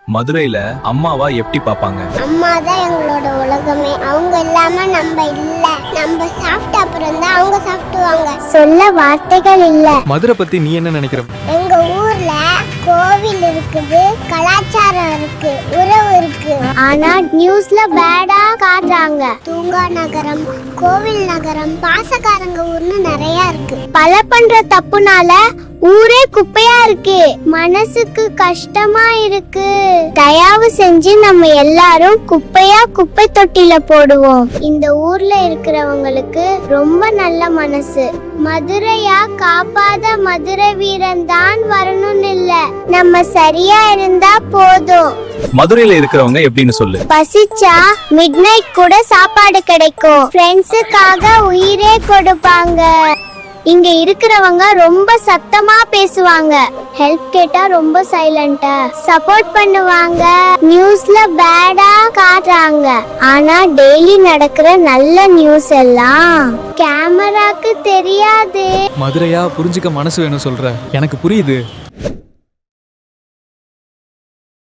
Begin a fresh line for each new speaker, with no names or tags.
மதுரையில அம்மாவா எப்படி பாப்பாங்க?
அம்மா தான் எங்களோட உலகமே. அவங்க இல்லாம நம்ம இல்ல. நம்ம சாப்பிட்ட அப்புறம் தான் அவங்க சாப்பிடுவாங்க. சொல்ல வார்த்தைகள் இல்ல.
மதுரை பத்தி நீ என்ன நினைக்கிற?
எங்க ஊர்ல கோவில் இருக்குது, கலாச்சாரம் இருக்கு, உறவு இருக்கு. ஆனா நியூஸ்ல பேடா காட்டுறாங்க. தூங்கா நகரம், கோவில் நகரம், பாசக்காரங்க ஊர்னு நிறைய இருக்கு. பல பண்ற தப்புனால ஊரே குப்பையா இருக்கு. மனசுக்கு கஷ்டமா இருக்கு. தயவு செஞ்சு நம்ம எல்லாரும் குப்பையா குப்பை தொட்டில போடுவோம். இந்த ஊர்ல இருக்கிறவங்களுக்கு ரொம்ப நல்ல மனசு. மதுரையா காப்பாத மதுரை வீரன் தான் வரணும்னு இல்ல, நம்ம சரியா இருந்தா போதும்.
மதுரையில இருக்கிறவங்க எப்படின்னு சொல்லு.
பசிச்சா மிட் நைட் கூட சாப்பாடு கிடைக்கும். ஃப்ரெண்ட்ஸுக்காக உயிரே கொடுப்பாங்க. இங்க இருக்கிறவங்க ரொம்ப சத்தமா பேசுவாங்க. ஹெல்ப் கேட்டா ரொம்ப சைலண்டா சப்போர்ட் பண்ணுவாங்க. நியூஸ்ல பேடா காட்டுறாங்க, ஆனா டெய்லி நடக்கிற நல்ல நியூஸ் எல்லாம் கேமராக்கு தெரியாது.
மதுரையா புரிஞ்சுக்க மனசு வேணும் சொல்ற, எனக்கு புரியுது.